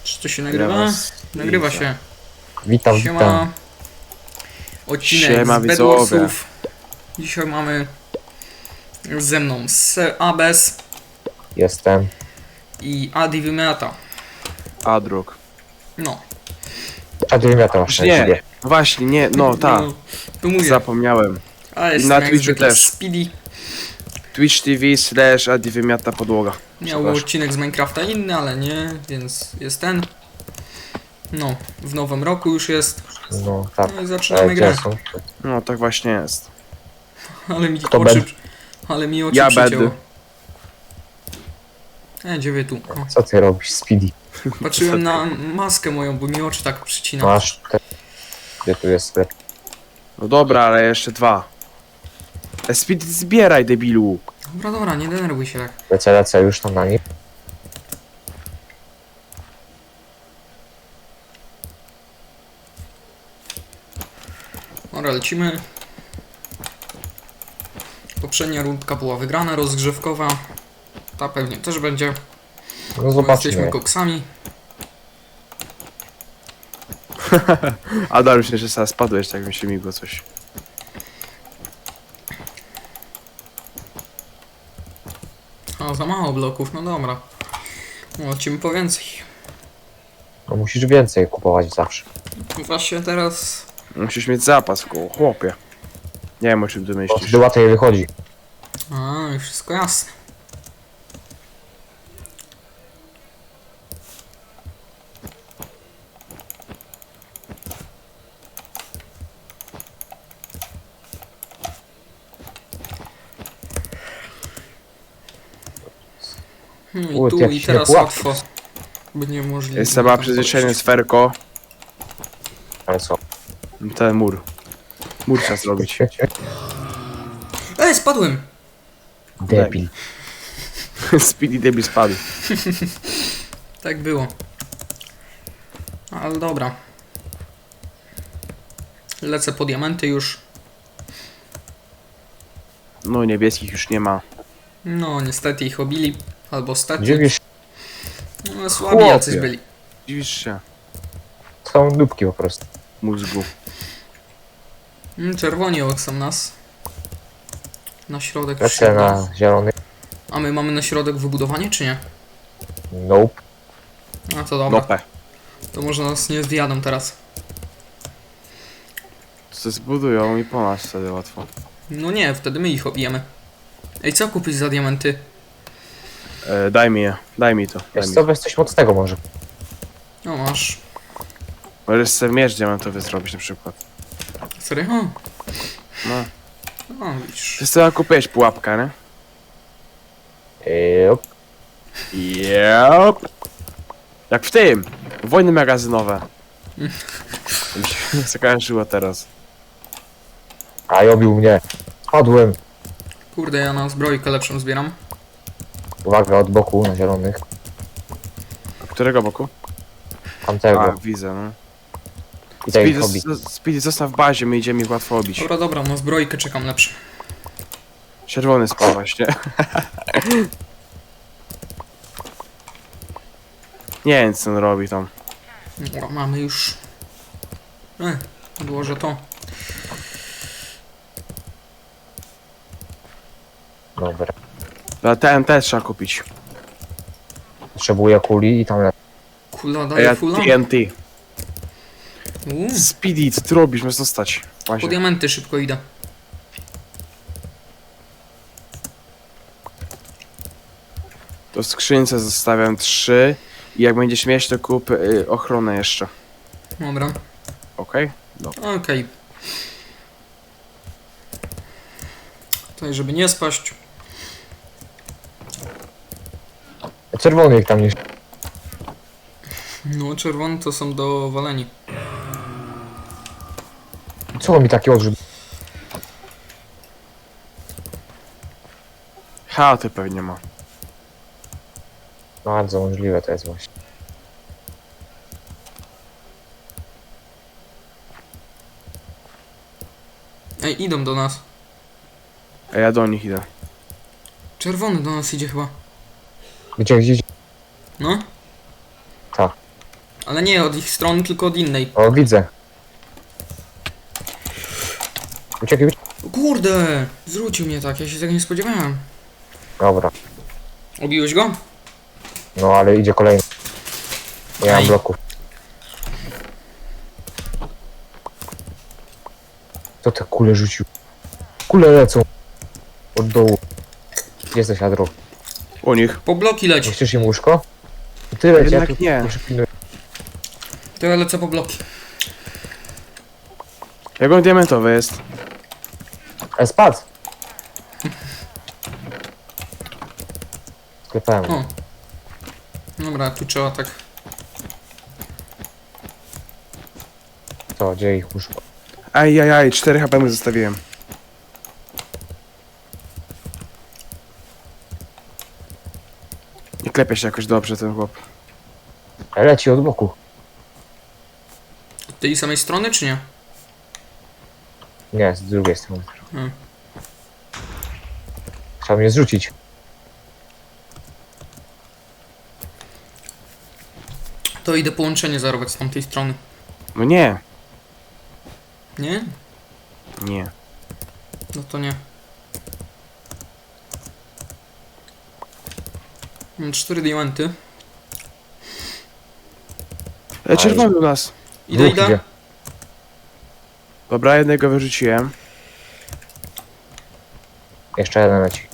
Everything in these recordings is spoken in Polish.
Czy to się nagrywa? Nagrywa się. Witam, Siema. witam. Odcinek Siema, z widzowie. Bedwarsów. Dzisiaj mamy ze mną Abes Jestem. i Adi Wymiata. Adruk. No. A ty wymiatał masz na Nie, siebie. właśnie, nie, no tak. No, to mówię. Zapomniałem. A jest na jak Twitchu zwykle też. Speedy. Twitch TV / Adi Wymiata podłoga. Miał Przepraszam. odcinek z Minecrafta inny, ale nie, więc jest ten. No, w nowym roku już jest. No tak. No i zaczynamy grę. Gdzie są? No tak właśnie jest. Ale mi Kto oczy, bed? ale mi oczy Ja przycięło. bed. Gdzie wy tu? O, Co ty robisz, Speedy? patrzyłem na maskę moją, bo mi oczy tak przycina. Masz te... Gdzie tu jest sklep? No dobra, ale jeszcze dwa. Speed zbieraj, debilu. Dobra, dobra, nie denerwuj się tak. Lecę już tam na nich. Dobra, lecimy. Poprzednia rundka była wygrana, rozgrzewkowa. Ta pewnie też będzie. No Bo zobaczmy. jesteśmy koksami. Adam, myślę, że teraz spadłeś, tak mi się migło coś. A, za mało bloków, no dobra. No, lecimy po więcej. No musisz więcej kupować zawsze. Właśnie teraz... Musisz mieć zapas w koło, chłopie. Nie wiem, o czym ty Bo myślisz. wtedy łatwiej wychodzi. A, już wszystko jasne. I Ły, tu jakiś i teraz niepułapki. łatwo. Będzie możliwe. Jest sama przyzwyczajenie sferko. Ale co? Ten mur. Mur trzeba zrobić. Spadłem! Debil. Speedy debil spadł. Tak było. Ale dobra. Lecę po diamenty już. No niebieskich już nie ma. No, niestety ich obili. Albo stety. Dziwisz, No, słabi Chłopie. jacyś byli. Dziwisz się. są dupki po prostu. Mózgu. Czerwoni są nas. Na środek Lecę wszedł. na zielony. A my mamy na środek wybudowanie, czy nie? Nope. A to dobra. Nopę. To może nas nie zjadą teraz. Co zbudują i po nas wtedy łatwo. No nie, wtedy my ich obijemy. Ej, co kupić za diamenty? Daj mi je, daj mi to. Daj Wiesz mi. co, weź coś mocnego może. No masz. Możesz sobie miecz diamentowy zrobić na przykład. Serio? No. No, widzisz. Ty sobie kupiłeś pułapkę, nie? Yep. Yep. Jak w tym! Wojny magazynowe. Mi się zakojarzyło teraz. A i obił mnie. Spadłem. Kurde, ja na zbrojkę lepszą zbieram. Uwaga, od boku na zielonych. Którego boku? A, Tamtego. widzę, no. I tak ich obi. Speedy, zostaw w bazie, my idziemy ich łatwo obić. Dobra, dobra, na zbrojkę czekam lepsze. Czerwony spadł właśnie. Nie wiem, co on robi tam. Dobra, mamy już. Odłożę to. Dobra. Ale TNT trzeba kupić. Potrzebuję kuli i tam lecę. Kula A daje ja fula. TNT. Uuu, Speedy, co ty robisz? Masz zostać. po Właśnie. diamenty szybko idę. To w skrzynce zostawiam 3. I jak będziesz mieć, to kup ochronę jeszcze. Dobra, Okej? Dobra. okej. Tutaj, żeby nie spaść. Czerwony ich tam nie... No, czerwone to są do waleni. Co mi taki odrzut? Chaty pewnie ma. Bardzo możliwe to jest właśnie. Ej, idą do nas. A ja do nich idę. Czerwony do nas idzie chyba. Gdzie? No? Tak. Ale nie od ich strony, tylko od innej. O, widzę. Uciekaj, uciekaj. O kurde! Zwrócił mnie tak, ja się tego nie spodziewałem. Dobra. Obiłeś go? No, ale idzie kolejny. Nie mam Aj. bloków. Kto te kule rzucił? Kule lecą. Od dołu. Gdzie jesteś, Adro? U nich. Po bloki leć. Nie chcesz im łóżko? Ty leć, ja Jednak tu nie. przypilnuję. To ja lecę po bloki. Jak on diamentowy jest? Spadł! Sklepałem. O. Dobra, tu trzeba tak. To, gdzie ich łóżko? Ajajaj, 4 HP mu zostawiłem. Nie klepie się jakoś dobrze ten chłop. Leci od boku. Od tej samej strony, czy nie? Nie, z drugiej strony. Hmm. Trzeba mnie zrzucić. To idę połączenie zarobić z tamtej strony. No nie. Nie? Nie. No to nie. Mam 4 diamenty. Czerwony u nas. Idę, Dwóch idę. idzie. Dobra, jednego wyrzuciłem. Jeszcze jeden leci.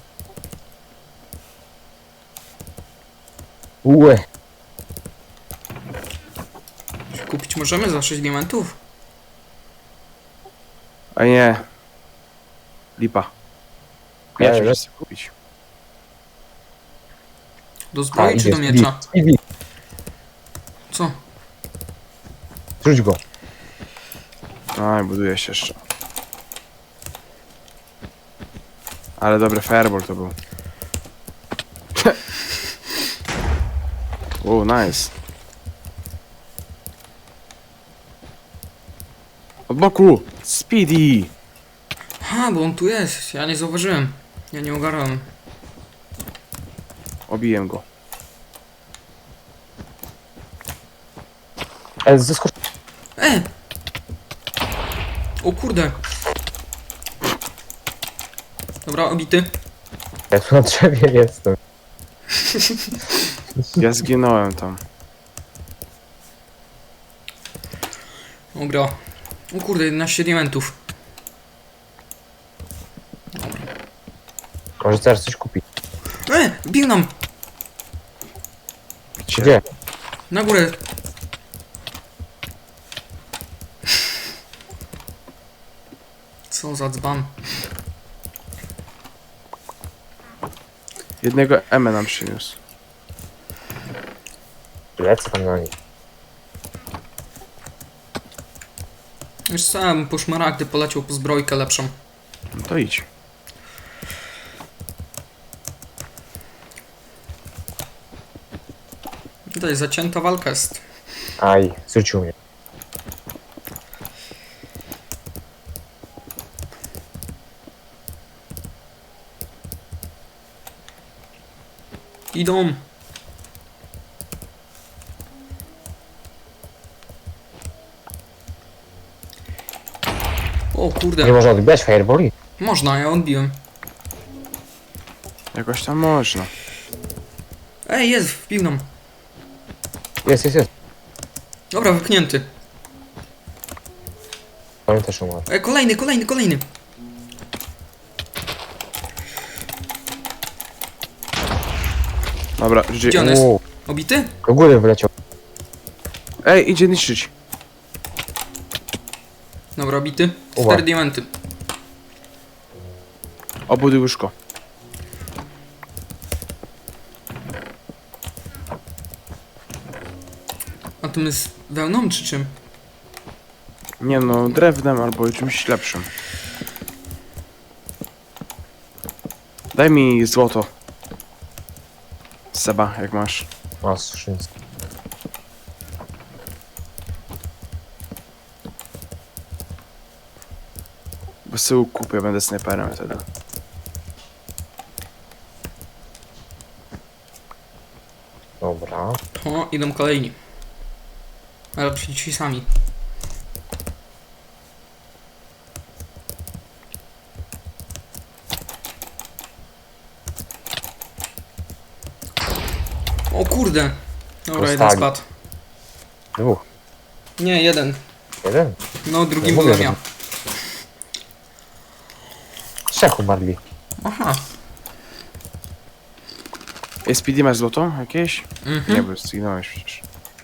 Ue. Kupić możemy za 6 diamentów? A nie. Lipa. Nie, Miecz że- muszę sobie kupić. Do zbroi czy do Speedy, miecza? Speedy. Co? Zrzuć go. Aj, buduje się jeszcze. Ale dobry fireball to był. O, nice. Od boku! Speedy! Ha, bo on tu jest. Ja nie zauważyłem. Ja nie ogarnąłem. Obiłem go. Zeskocz. O kurde. Dobra, obity. Ja tu na drzewie jestem. Ja zginąłem tam. Dobra. O kurde, 11 diamentów. Może teraz coś kupić. Bił nam! Gdzie? Na górę. Co za dzban. Jednego M nam przyniósł. Lecę tam na nich. Już sam po szmaragdy poleciał po zbrojkę lepszą. No to idź. Tutaj zacięta walka jest. Aj, zrzucił mnie. Idą. O Nie kurde. można odbijać fireboli? Można, ja odbiłem. Jakoś tam można. Ej, jest, wbił nam. Jest, jest, jest. Dobra, wypchnięty. On też umarł. Ej, kolejny, kolejny, kolejny. Dobra, GG. Gdzie on jest? Uuu, Obity? do góry wyleciał. Ej, idzie niszczyć. Dobra, obity. Uwa. 4 diamenty. Obuduj łóżko. A to my z wełną czy czym? Nie no, drewnem albo czymś lepszym. Daj mi złoto. Seba, jak masz. A, skrzynce. Bo sobie kupię, będę snajperem wtedy. Dobra. O, idą kolejni. Ale raczej ci sami. O kurde! Dobra, jeden Dostali. spadł. 2. Nie, jeden. 1. No, drugi Nie byłem mówię, ja. 3 umarli. Aha. SPD masz złoto jakieś? Mhm. Nie, bo zginąłeś przecież.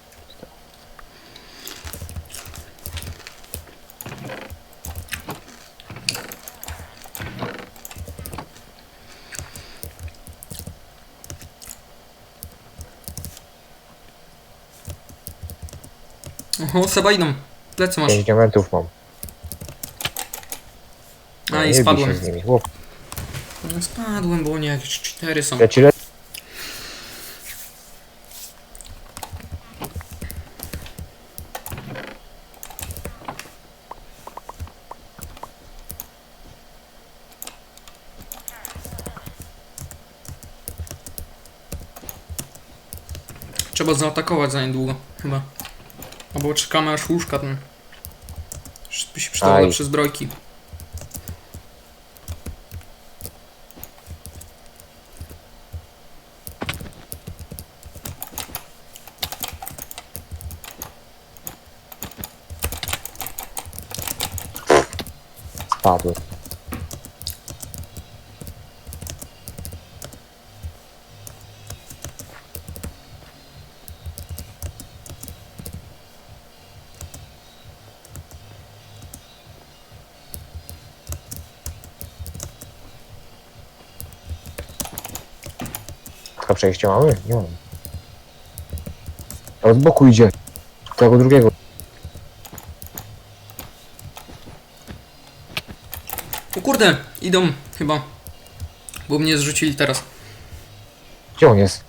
Oho, Seba idą. Plecy masz. 5 diamentów mam. A Nie i bij się spadłem. z nimi. Chłop, No, spadłem, bo nie, jakieś 4 są. leci. Trzeba zaatakować za niedługo, chyba. Albo czekamy aż łóżka ten. By się przydało Aj. lepsze zbrojki. Spadły. Tylko przejście mamy? Nie mam. A od boku idzie. Tego drugiego. O kurde, idą chyba. Bo mnie zrzucili teraz. Gdzie on jest?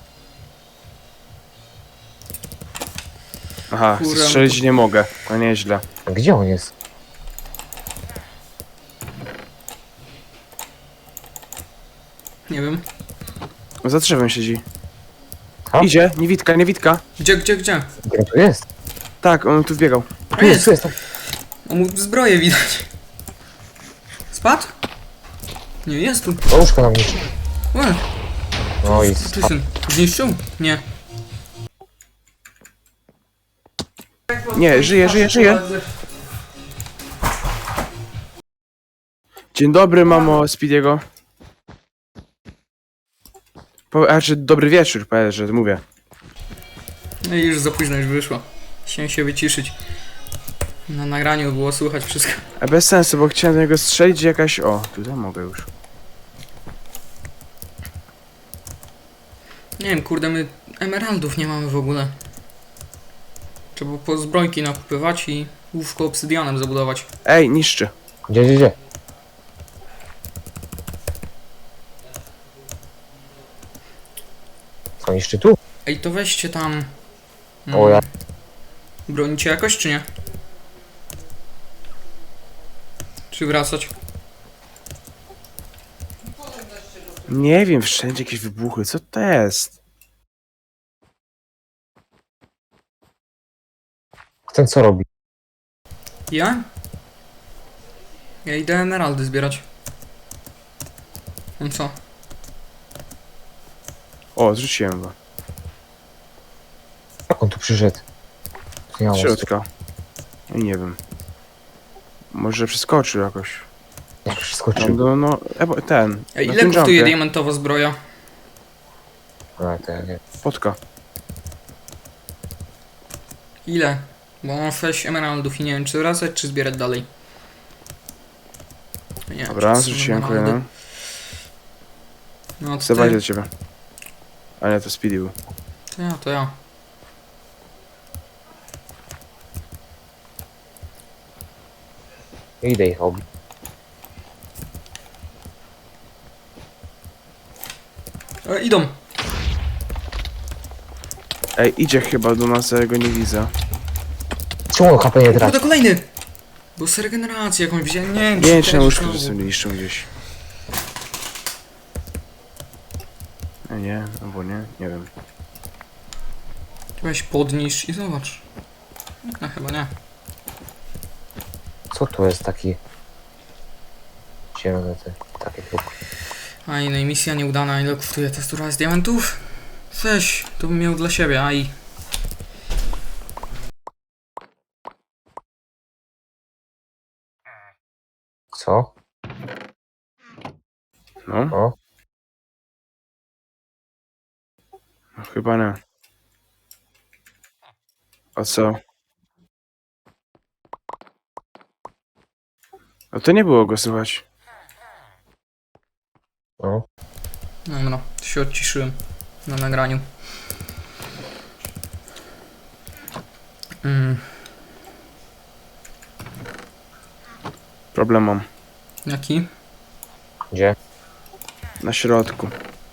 Aha, Kurwa, strzelić to- nie mogę. No nieźle. Gdzie on jest? Nie wiem. Za drzewem siedzi. Ha? Idzie, niewidka, niewidka. Gdzie? Gdzie on tu jest? Tak, on tu wbiegał. A Tu jest, jest! tu jest. O, mu zbroję widać. Spadł? Nie, jest tu. O, łóżko na mnie. Ue, No i ty spadł. syn. Zniszczył? Nie. Nie, żyje, żyje, żyje. Dzień dobry, mamo Speediego. Znaczy, dobry wieczór, powiedz, że mówię. No i już za późno już wyszło. Chciałem się wyciszyć. Na nagraniu było słychać wszystko. A bez sensu, bo chciałem do niego strzelić jakaś... O, tutaj mogę już. Nie wiem, kurde, my emeraldów nie mamy w ogóle. Trzeba po zbrojki nakupywać i łóżko obsydianem zabudować. Ej, niszczy. Gdzie? Co niszczy tu? Ej, to weźcie tam... O ja. Bronicie jakoś, czy nie? Czy wracać? Nie wiem, wszędzie jakieś wybuchy, co to jest? Ten co robi? Ja? Ja idę emeraldy zbierać. On co? O, zrzuciłem go. Jak on tu przyszedł? Ja Z mam środka. I nie wiem. Może przeskoczył jakoś. Jak przeskoczył. No, ten. Ej, na ile tym kosztuje jumpie. diamentowa zbroja? A, to ja nie. Spotka. Ile? Bo mam 6 emeraldów i nie wiem, czy wracać, czy zbierać dalej. Nie, Dobra, czy są zrzuciłem emeraldy. kolejną. No to Zobaczcie ty. do ciebie. A nie, to Speedy był. To ja. Idę ich obi. Idą. Ej, idzie chyba do nas, ja go nie widzę. Czemu on HP nie traci? Kurde, kolejny! Bo z regeneracji jakąś wziąłem, nie wiem, Nie wiem, czy też na łóżku znowu. sobie niszczą gdzieś. Nie, albo nie wiem. Weź podnisz i zobacz. No chyba nie. Co tu jest taki... Zielone te... Takie chyba. A innej misja nieudana. Ile kosztuje tekstura z diamentów? Weź, to bym miał dla siebie, aj. Co? No, O? no chyba nie. A co? A to nie było go słychać. No? Dobra, to się odciszyłem na nagraniu. Problem mam. Jaki? Gdzie? Na środku.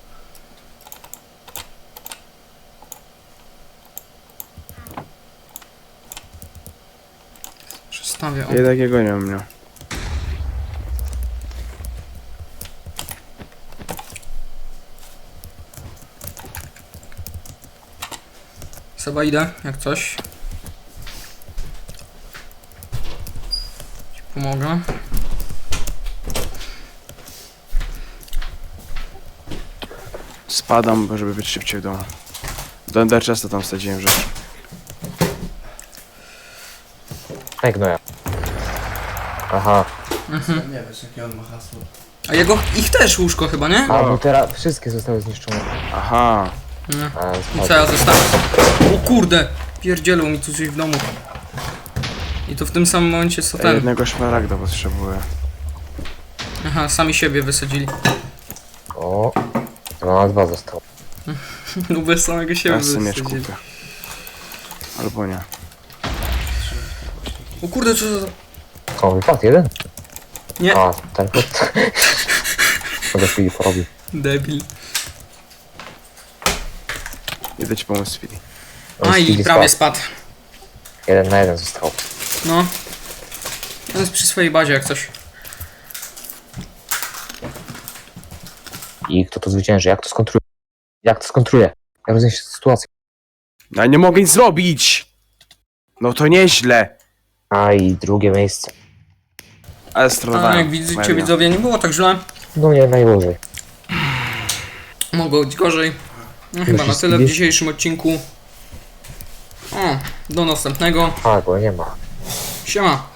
Przestawię. O. Ja takiego nie mam miał. Seba idę, jak coś. Ci pomogę. Spadam, żeby być szybciej w domu. Do Enderchesta tam wsadziłem rzeczy. Ej, gnoja. Aha. Nie wiesz, jakie on ma hasło. A ich też łóżko chyba, nie? A, bo teraz wszystkie zostały zniszczone. Aha. Nie. A, I spadł. co ja zostawię? O kurde! Pierdzielą mi tu coś w domu. I to w tym samym momencie co Ja ten. jednego szmaragda potrzebuję. Aha, sami siebie wysadzili. O. 2 na 2 zostało. No bez samego siebie Ja sobie miecz wysadzili. kupię. Albo nie. O kurde, co za... O, wypadł jeden? Nie, A, ten pod... Mogę chwili porobił. debil. Idę ci pomóc, Speedy. On A i Speedy prawie spadł. spadł. 1 na 1 został. No. On jest przy swojej bazie jak coś. I kto to zwycięży? Jak to skontruje? Jak to skontruje? Jak rozniesie sytuację? No nie mogę nic zrobić! No to nieźle! A i drugie miejsce. Ale A stronowałem. jak widzicie widzowie, nie było tak źle. No nie, najgorzej. Mogło być gorzej. No chyba na Musisz tyle w zjeść? dzisiejszym odcinku. O, do następnego. A, go nie ma. Siema.